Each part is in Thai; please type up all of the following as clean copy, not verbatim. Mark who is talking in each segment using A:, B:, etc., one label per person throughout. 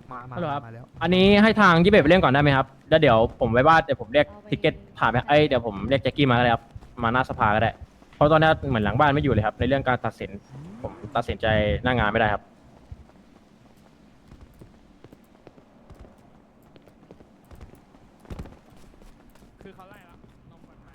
A: ฮัลโหลครับ
B: มาแล้ว
A: อันนี้ให้ทางยี่เบไปเล่นก่อนได้ไหมครับแล้วเดี๋ยวผมไว้ว่าเดี๋ยวผมเรียกทิกเก็ตผ่านไปเดี๋ยวผมเรียกแจ็คกี้มาก็ได้ครับมาหน้าสภาก็ได้เพราะตอนนี้เหมือนหลังบ้านไม่อยู่เลยครับในเรื่องการตัดสินผมตัดสินใจหน้างานไม่ได้ครับคือเขาไล่แล้วนมก่อนไหม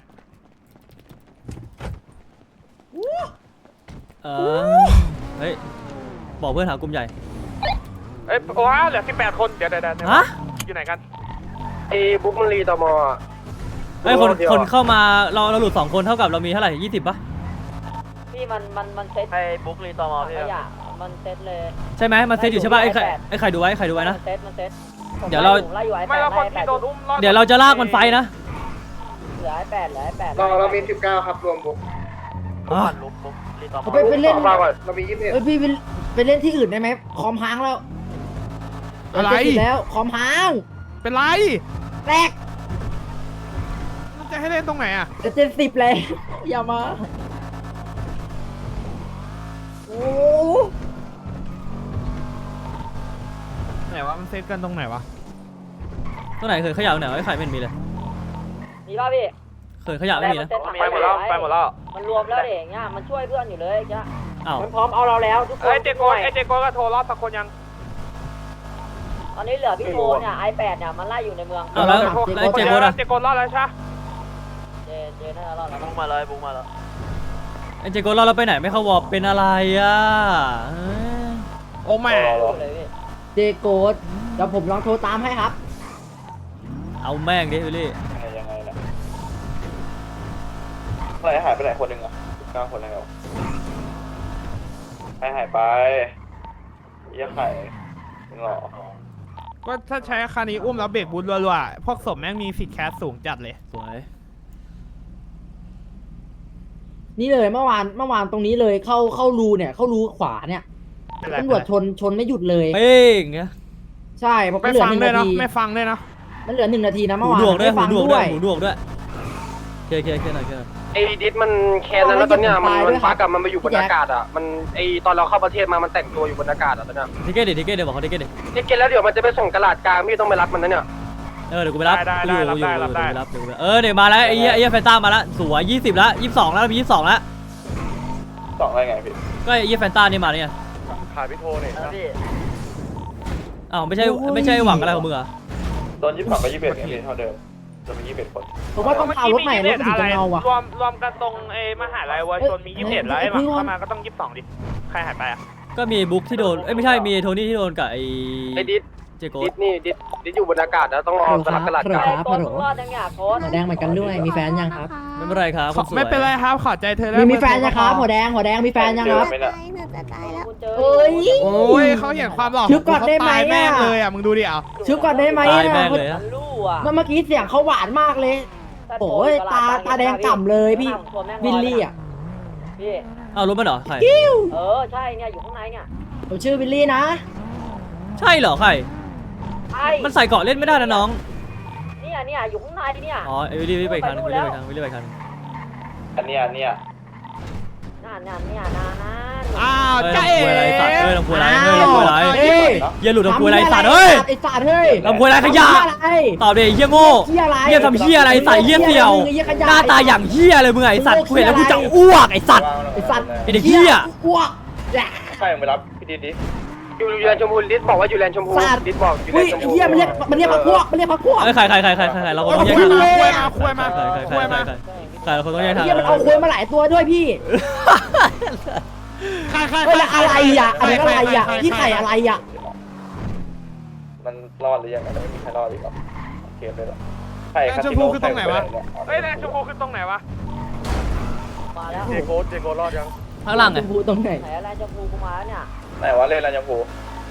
C: เฮ้ยบอกเพื่อนหากลุ่มใหญ่
B: เอ้ยโอ้ยเหลือ18 คนเดี๋ยว
C: ฮะ
B: อยู่ไหนกัน
D: ไอ้บุ๊กมันรีตมอ่ะ
C: เฮ้ยคนเข้ามาเราหลุด2 คนเท่ากับเรามีเท่าไหร่20ปะ
E: พี่มันเซต
D: ไอ้บุ๊กรีตม
E: ข
D: พี่
E: ยะมันเซตเลย
C: ใช่ไหมมันเซตอยู่ใช่ปะไอ้ใครดูไว้นะ
E: มันเซตผม
C: เดี๋ยวเรา
E: ไล่อยู่ไอ้
B: ไม่
E: แป
B: แล้ว
E: ด
B: คน
E: ไล่
B: ที่โดนอุ้มรอด
C: เดี๋ยวเราจะลากมันไฟนะ
E: เหลือไอ้แปด
D: เรามี19ครับรวมบุ๊ก
B: บุ๊กรีตอม
F: ไปเล่น
D: เราก่อนเรามี21
F: เอ้ยพี่ไปเล่นที่อื่นได้ไหมคอมพังแล้ว
B: อะไร
F: เจ็ดสิบแล้วคอมพัง
B: เป็นไร
F: แตก
B: มันจะให้เล่นตรงไหนอ่ะ
F: จะ70เลยอย่ามาโอ้
B: ไหนวะมันเซตกันตรงไหนวะ
C: ตัวไหนเคยขยะไหนไอ้ไข่ไม่มีเลย
E: มีป่ะพี่
C: เคยขยะไม่มีนะ
B: ไปหมดแล้วไปหมดแล้ว
E: มันรวมแล้วเด็กเงี้ยมันช่วยเพื่อนอยู่เลยจ้ะ
C: อ้าว
E: มันพร้อมเอาเราแล้วทุกคน
B: เอ้ยเจโกก็โทรรอบสักคนยัง
E: ตอนนี้เหลือพี่โทเนี่ยไอ้แปดเนี่ยมันไล่อยู่ในเมือง
C: เอาแล้วเจโกดอะ
B: เจโกรอดแล้วใช่
E: เจน่าจะรอดแล้ว
D: บุ๊กมาเลยบุ๊กมาแล้ว
C: ไอ้เจโกเราไปไหนไม่เข้าวอร์เป็นอะไรอ่ะ
B: โอ้แม่
E: เลยพี่
F: เจโกดเดี๋ยวผมลองโทรตามให้ครับ
C: เอาแม่งดิวิลลี่
D: ยังไงล่ะอะไรหายไปไหนคนหนึ่งอ่ะ19 คนแล้วใครหายไปยี่ไข่หรอ
B: ก็ถ้าใช้คานี้อุ้มแล้วเบรกบูทรัวๆพวกศพแม่งมีสิทธิ์แคสสูงจัดเลย
C: สวย
F: นี่เลยเมื่อวานตรงนี้เลยเข้ารูเนี่ยเข้ารูขวาเนี่ยตำรวจชนไม่หยุดเลย
C: เป้งเงี้ย
F: ใช่เพราะ
B: ไม่
F: เหลือ
B: ฟัง
F: 1
B: ด้วย
F: นา
B: เนาะ
F: ที
B: ไม่ฟังด้วยเนาะ
F: มันเหลือ1 นาทีนะ
C: หู
F: เมื่อวาน
C: ดวกด้วย
F: ไม่ฟัง
C: หูดวก
F: ด้
C: ด้
F: ว
C: วย
F: ย
C: หูดวกด้วยเคหน่อย
D: ไอ้ดิสมันแคนแล้วตอนเนี้ยมันฟักกับมันมาอยู่บนอากาศอ่ะมันไอตอนเราเข้าประเทศมามันแต่งตัวอยู่บนอากาศอ่ะตอนเนี้ย
C: ทิเกตเดี๋ยวบอกเขาทิเกตดิ
D: นี่กินแล้วเดี๋ยวมันจะไปส่งตลาดกลางพี่ต้องไปรับมันนะเนี่ย
C: เดี๋ยวกูไปรับ
B: ได้
C: เดี๋ยวเดี๋ยวมาแล้วไอ้เหี้ยแฟนต้ามาแล้วสวย20แล้ว22แล้วมี22แล้ว
D: 2อะไรไงพี่
C: ก็ไอ้เหี้ยแฟนต้านี่มาเนี่ย
D: ขาดพี่โทเนี่ยนะพี่
C: อ้าวไม่ใช่หวังอะไรของมึงเหรอ
D: ตอน22กับ21ไงพี่เท่าเดิมจะมี21 คน
F: ผมว่าต้องพารถใหม่รถถึงจะเงาว่ะ
B: รวมกันตรงมหาลัยวัยชนมี21แล้วไอ้มาเข้ามาก็ต้อง22ดิใครหายไปอ่ะ
C: ก็มีบุ๊กที่โดนไม่ใช่มีโทนี่ที่โดนกับไอ้
D: ไอ้ดิส
C: เจโก
D: ดิสนี่ดิสอยู่บนอากาศนะต้องรอตลาดกลาง
F: ค
E: ไอ้
F: รับ
E: โทนรอดยังอยากโทน
F: หัวแดงเหมือนกันด้วยมีแฟนยังครับ
C: ไม่เป็นไรครับคนสวย
B: ไม่เป็นไรครับขอใจเธอแล้ว
F: มีแฟนยังครับหัวแดงมีแฟนยังครับ
G: หนูจะตายแล้ว
E: กูเจอ
F: เอ้ย
B: โอ้ยเขาเห็นความหล่อ
F: ชุบก่อนได้ไหม
B: เขาตายแม่ง
F: อะ
B: เลยอ่ะมึงดูดิเอา
F: ชุบก่อนได้ไหม
C: ตาย
F: นะ
C: แม่งเลย
E: มั
C: นะ
E: นลู่อ่ะ
F: เมื่อกี้เสียงเขาหวานมากเลย โอ้ยตาแดงก่ำเลยพี่วิลลี่อ่ะ
E: พี่
C: อ้าวรู้ป่ะเหรอใคร
E: ใช่เนี่ยอยู่ข้างในเนี่ย
F: ผมชื่อวิลลี่นะ
C: ใช่เหรอใคร
E: ใช่
C: มันใส่เกาะเล่นไม่ได้นะน้อง
E: เนี่ยอยู่ข้างในเนี่ย
C: อ๋อไอ้วิลลี่ไปอีกครั้งวิลลี่ไปอีกครั้ง
D: อันเนี้ย
E: นั่นเนี่ยนะ
B: อ้าว
C: เฮ้ย
B: จ้าเอ๋
C: ลำพูอะไรสัตว์เฮ้ยลำพูอะไรเฮ้ย
F: อ้าว
C: ลำพูอะไร
F: เฮ้ย
C: อย่าหลุดลำพูอะไรสัตว์เฮ้ย
F: ไอ้สัตว์เฮ้ย
C: ลำพูอะไรขยะ
F: อะไร
C: ตอบดิเฮียโง่
F: เหี้ยอะไร
C: เฮียทำเฮียอะไรใส่เฮียเสี่ยว
F: เหี้ยขยะ
C: หน้าตาอย่างเฮียเลยมึงไอ้สัตว์กูเห็นแล้วกูจะอ้วกไอ้สัตว์
F: ไอ้สัตว์
C: ไอ้เด็กเหี้ย
F: อ้วก
D: ใช่ไปรับพี่ดิสอยู่แลนด์ชมพูดิสบอกว่าอยู่แลนด์ชมพูดิสบอกอยู่แล
F: อุ้
D: น
F: ย
D: ด์ชม
F: ไอ้
D: พู
F: เหี้ยมันเรียกพักพวก
C: เอ้ยใครเราคนต้องแยก
B: คุ
C: ทาง
B: ยมาคุยมา
C: ใครเราคนต้องแยกทาง
F: เหี้ยมันเอาคุยมาหลายตัวด้วยพี่
B: ใคร
F: เฮ้ยแล้วอะไรอ่ะอันนี้อะไรอ่ะพี่ไข่อะไรอ่ะ
D: มันรอดหรือยังไม่มีใครรอดอีกหรอเกมเลยหรอใคร
B: แดงชมพูคือตรงไหนวะเฮ้ยแดงชมพูคือตรงไหนวะ
E: มาแล้ว
D: เจโกรอดยัง
C: ข้างล่างไง
F: ชมพูตรงไหน
E: ไหนอะไรจะพูกูมาเนี่ย
D: ไหนวะเล่นแลนด์ชมพู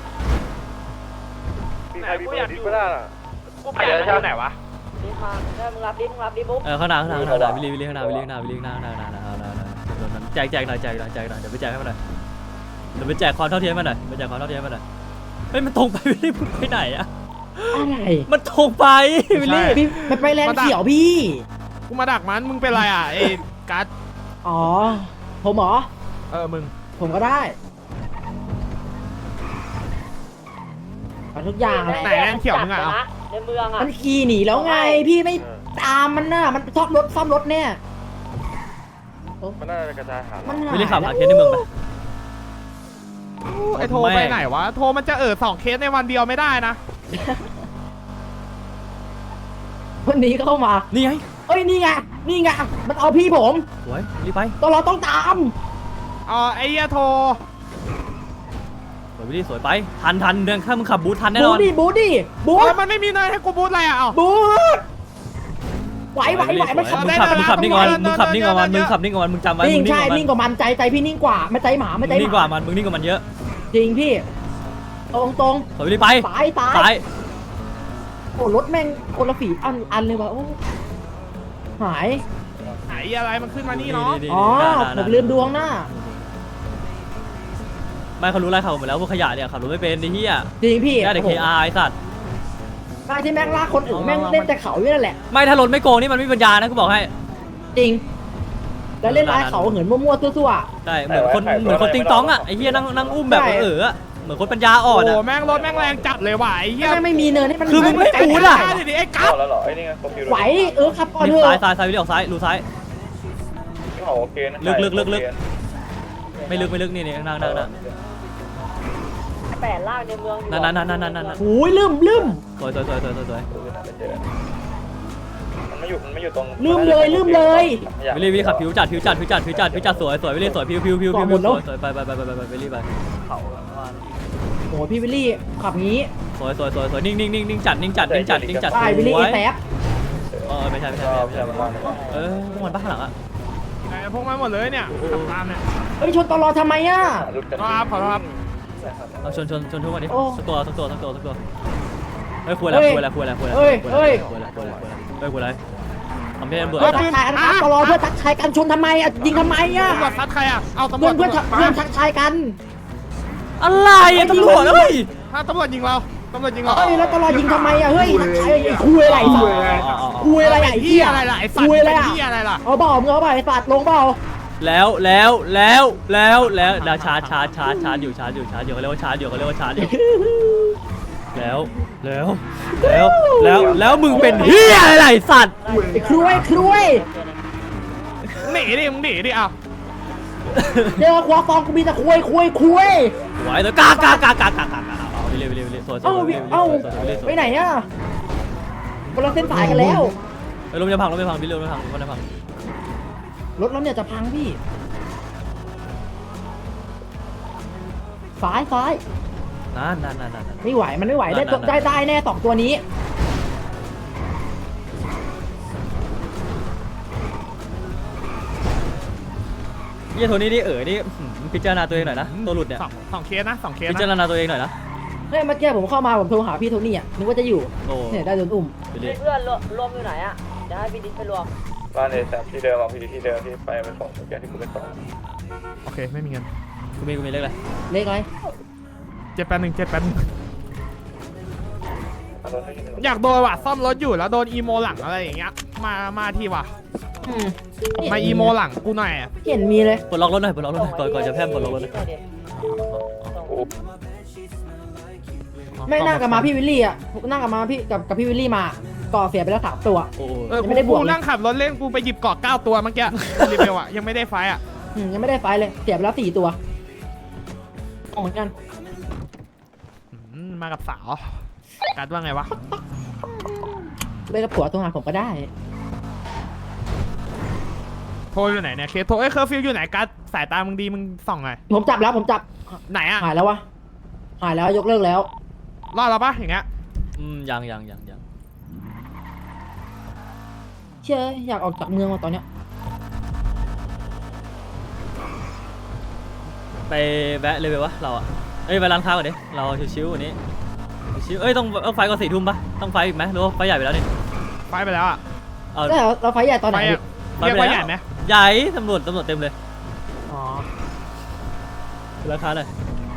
D: มีใครมีเบอร์ดิสไม่ได้อ่ะ
B: กูไปไหนวะ
E: ดิบมาได้มึงรับดิบุ๊ก
C: ข้างหน้าวิลลี่ข้างหน้าแจกหน่อยเดี๋ยวไปแจกให้มันหน่อยเดี๋ยวไปแจกความเท่าเทียมมันหน่อยเฮ้ยมันตรงไปวิลลี่ไปไหนอะ
F: อะไร
C: มันตรงไปวิลลี่
F: พี่มันไปแลนด์เขียวพี่
B: กูมาดักมันมึงเป็นไรอ่ะไอ้กัส
F: อ๋อผมเหรอ
B: มึง
F: ผมก็ได้เอาทุกอย่างแหละ
B: ไหนแรงเขียวมึงอะเอา
E: ในเมืองอ่ะ
F: มันขี่หนีแล้วไงพี่ไม่ตามมันน่ะมันซ่อมรถเนี่ย
D: มันน่าจะกระจายหา
F: มัน
C: ไม่ได้ขับหาเคสในเมืองไป
B: ไอโทรไปไหนวะโทรมันจะ2 เคสในวันเดียวไม่ได้นะ
F: วันนี้เข้ามา
C: นี่ไง
F: เอ้ยนี่ไงมันเอาพี่ผม
C: สวยรีบไป
F: ตอนเราต้องตาม
B: อ๋อไอ้เหี้ยโทร
C: สวยวิลลี่สวยไปทันเดินข้ามมึงขับบูททันแน่น
F: บู
C: อน
F: ดิบู
B: โอ้ยมันไม่มีเนยให้กูบูทอะไรอ่ะเอ้า
F: บูไหวมันขับ
C: มึงขับนิ่งก่อนมึงขับนิ่งก่อนมึงขับนิ่งก่อนมึงจำไว้
F: นิ่ง
C: มึง
F: ใช่
C: นิ่
F: นิ่
C: ง
F: ง
C: กว่ามัน
F: กว่ามันใจพี่นิ่งกว่าไม่ใจหมาไม่ใจ
C: มึงนิ่งกว่ามันมึงนิ่งกว่ามันเยอะ
F: จริงพี่ตรง
C: สวยวิลลี่ไป
F: ซ้าย
C: ซ้าย
F: โอ้รถแม่งคนละฝีอันเลยว่ะโอ้หาย
B: ไหนอะไรมันขึ้นมานี่เนาะ
F: อ๋อผมลืมดวงหน้า
C: ไม่เขารู้อะไรเขาหมดแล้วพวกขยะเนี่ยขับรถไม่เป็นไอ้เหี้ย
F: จริงพี่
C: ได้แต่ KR ไอ้สัตว์
F: การที่แม่งลากคนอื่นแม่งเล่นแต่เขาอยู่นั่นแหละ
C: ไม่ถ้ารถไม่โกงนี่มันไม่มีปัญญานะกูบอกให้
F: จริง แล้วเล่นลายเขาเหินมั่วๆซั่ว
C: ใช่เหมือนคนติงต้องอ่ะไอ้เหี้ยนั่งอุ้มแบบอะเหมือนคนปัญญาอ่อน
B: โอ้
C: อ่ะ
B: แม่งรถแม่งแรงจัดเลยว่ะไอ้
F: ๆ
B: เหี้ย
F: แม่งไม่มีเนินให้มัน
C: คือมึงไม่บู๊ดอะ
B: ดิไอ้กั๊บ
D: แล้วเหรอไอ้นี่ไงคอมพิวเตอร์
F: ไหวครับก่อน
C: นี่
F: เถ
C: ซ้าย
F: อะ
C: ซ้ายวิลลี่ออกซ้ายรูซ้าย
D: ที่เขาโอเคนะ
C: ลึกไม่ลึกนี่นั่ง
E: 8ลากในเมืองอยู่
C: นั่น
F: โอ้ยลืม
C: สวย
D: มันไม่อยู่ตรง
F: ลืมเลย
C: วิลลี่ขับผิวจัดสวยวิลลี่สวยผิวสวยไปวิลลี่ไป
F: โอ้ยพี่วิลลี่ขับงี้
C: สวยนิ่งจัด
F: ใช่วิลลี่แซฟ
C: ไม่ใช่พวกมันบ้าหลังอ่ะ
B: ไหนพวกมันหมดเลยเนี่ยขับตามเนี่ย
F: เฮ้ยชนตลอดทำไมอ่ะ
B: ครับขอโทษครับ
C: เอาชนทุกวันนี้
F: โอ้
C: สักตัวเฮ้ยคุยอะไรทำให้เบื่อ
F: เพื่อทักทายกันครับตลอดเพื่อทักทายกันชนทำไมอ่ะยิงทำไมอ่ะ
B: ตำรวจซัดใครอ่ะเอาตำรว
F: เพื่อ
B: จ
F: นเพื่อนทักทายกัน
C: อะไรตำรวจเฮ้ย
B: ถ้าตำรวจยิงเราตำรวจยิงเรา
F: เฮ้ยแล้วตลอดยิงทำไมอ่ะเฮ้ยทักทายคุยอะไรสัตว์คุยอะไรอ่ะไอ้
B: เหี้
F: เหี้
B: ย
F: ย
B: อะไรล่ะไอ้สัตว์
F: คุยอะไรอ่ะ
B: เหี้ยอะไรล่ะ
F: เอาเปล่ามึงเอาเปล่าไอ้สัตว์ลงเปล่า
C: แล้วชาร์จอยู่เขาเรียกว่าชาร์จอยู่แล้วมึงเป็นเฮียอะไรสัตว์
F: ไอ้ครุย
B: หนีดิมึงหนีดิเอา
F: เดี๋ยวควาฟองกูมีแต่คุย
C: ไหวแล้วกากเอาเร็วสวย
F: เอ้าไปไหนอ่ะคนละเส้นสายกันแล้ว
C: ลมจะพังพี่ลมจะพัง
F: รถเราเนี่ยจะพังพี่ซ้าย
C: นั่น
F: ไม่ไหวมันไม่ไหวได้แน่สองตัวนี้
C: เฮียโทนี่นี่นี่พิจารณาตัวเองหน่อยนะตัวหลุดเนี่ย
B: สองเคสนะ2 เคส
C: พิจาร
B: นะ
C: ณาตัวเองหน่อยนะ
F: เฮ้ยเมื่อกี้ผมเข้ามาผมโทรหาพี่โทนี่อ่ะนึกว่าจะอยู่
C: โอ้
F: เนี่ยได้โดนอุ้ม
C: ไปเลย
E: เพื่อนรวมอยู่ไหนอ่ะเดี๋ยวให้พี่ดิษไปรวม
D: บ้านเอแซมที่เดิมที่เดิมที่ไปส่งเมื่อกี้ที่กูไปส่ง
B: โอเคไม่มีเงิน
C: กูมีเลขอะไร
F: เลขอะไร
B: 781อยากโดนว่ะซ่อมรถอยู่แล้วโดนอีโมหลังอะไรอย่างเงี้ยมาทีว่ะมาอีโมหลังกูหน่อยอะ
F: เห็นมีเลย
C: ปลดล็อกรถหน่อยก่อนจะแพร่ปลดล็อกรถ
F: ไม่นั่งกับมาพี่วิลลี่อ่ะนั่งกับมาพี่กับพี่วิลลี่มาก่อเสียไปแล้ว3 ตัว
C: โอ้
F: ไม่ได้บวกเลย
B: กูนั่งขับรถเล่นกูไปหยิบเกาะ9 ตัวเมื่อกี้รีเบลอะยังไม่ได้ไฟอะ
F: ยังไม่ได้ไฟเลยเสียไปแล้ว4 ตัวเหมือนกัน
B: มากับสาวกัดว่าไงวะ
F: ไปกับผัวโทรหาผมก็ได้
B: โทรอยู่ไหนเนี่ยเคสโทรเคอร์ฟิวอยู่ไหนกัดสายตามึงดีมึงส่องหน่อย
F: ผมจับ
B: ไหนอะ
F: หายแล้ววะหายแล้วยกเลิกแล้ว
B: รอดแล้วปะอย่างเงี้ย
C: ยัง
F: เชื่ออยากออกจากเมืองมาตอนเนี้ย
C: ไปแวะเลยไปวะเราอ่ะไปร้านค้าก่อนดิเราชิวๆวันนี้ชิวต้องไฟก่อน4 ทุ่มปะต้องไฟอีกไหมหรือว่าไฟใหญ่ไปแล้วนี่
B: ไฟไปแล้วอะ
F: แล้วเราไฟใหญ่ตอนไหน
B: เรียกว่าใหญ่ไหม
C: ใหญ่ตำรวจเต็มเลย
F: อ๋อ
C: ราคาเลย